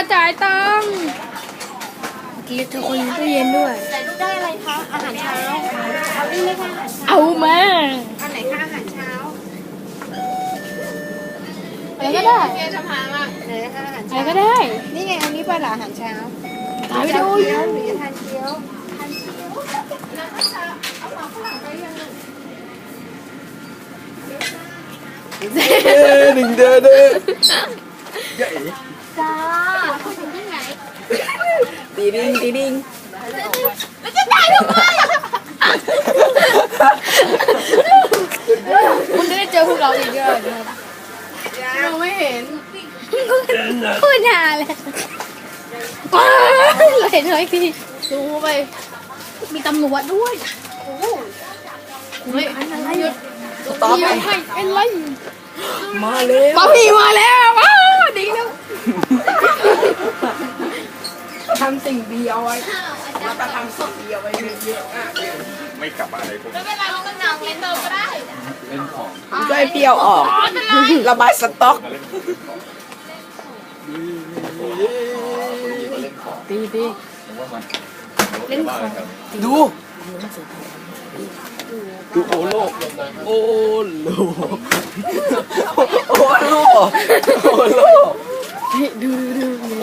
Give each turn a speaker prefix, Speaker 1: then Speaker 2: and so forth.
Speaker 1: จ่ายตังค์เกียร์เธอคนตู้เย็นด้วย
Speaker 2: แต่ลูกได้อะไรคะอาหารเช้าเอานี่ไหมคะอาหารเช้า
Speaker 1: เอามา
Speaker 2: อันไหนคะอาหารเช้า
Speaker 1: อะไรก็ได้
Speaker 2: เกียร์จะพามาไหนคะอาหาร
Speaker 1: อะไร
Speaker 2: เช้า
Speaker 1: ก็ได้
Speaker 2: นี่ไงอันนี้ป่ะล่ะอาหารเช้า
Speaker 1: ถ่ายไป
Speaker 2: จะ
Speaker 1: ดู
Speaker 2: เกี๊ยวหรือจะทานเกี๊ยวทานเกี๊ยวแล้วก็จะเอาหมาฝรั่งไปยัง
Speaker 3: หนึ่งเด้อเด้อใหญ่
Speaker 2: จ้าคุณถึงที่ไหน
Speaker 3: ตีดิงตีดิง
Speaker 2: แล้วจะได้ทำไม
Speaker 1: คุณจะได้เจอพวกเราอีกเยอะนะครับ
Speaker 2: เราไม่เห็น
Speaker 1: พูดนานเลยเราเห็นเขาอีกทีดูไป มีตำรวจด้วยเฮ้ยอะไรหยุด
Speaker 3: สต๊อป
Speaker 1: เดี๋ยวให้เป็นไร
Speaker 3: มาเลย
Speaker 1: ป้าพี่มาแล้วว้าวดีแล้ว
Speaker 3: ทำสิ่งดีเอาไว้แล้วก็ทำสิ่งดีเอาไว้เยอะๆอ่ะ
Speaker 4: ไม่กลับมาอะไรพวก
Speaker 2: ไม่เป็นไรเราก็นั่งเล่นเติมก็ได้
Speaker 4: เล่นของ
Speaker 3: ช่วยเปรี้ยวออก ระบายสต๊อก
Speaker 4: มาเล่นของ
Speaker 1: ดีดี
Speaker 4: ผมว่ามัน
Speaker 1: เล่นของ
Speaker 3: ดู ดูโอโลโอโลโอโลโอโล
Speaker 1: ดู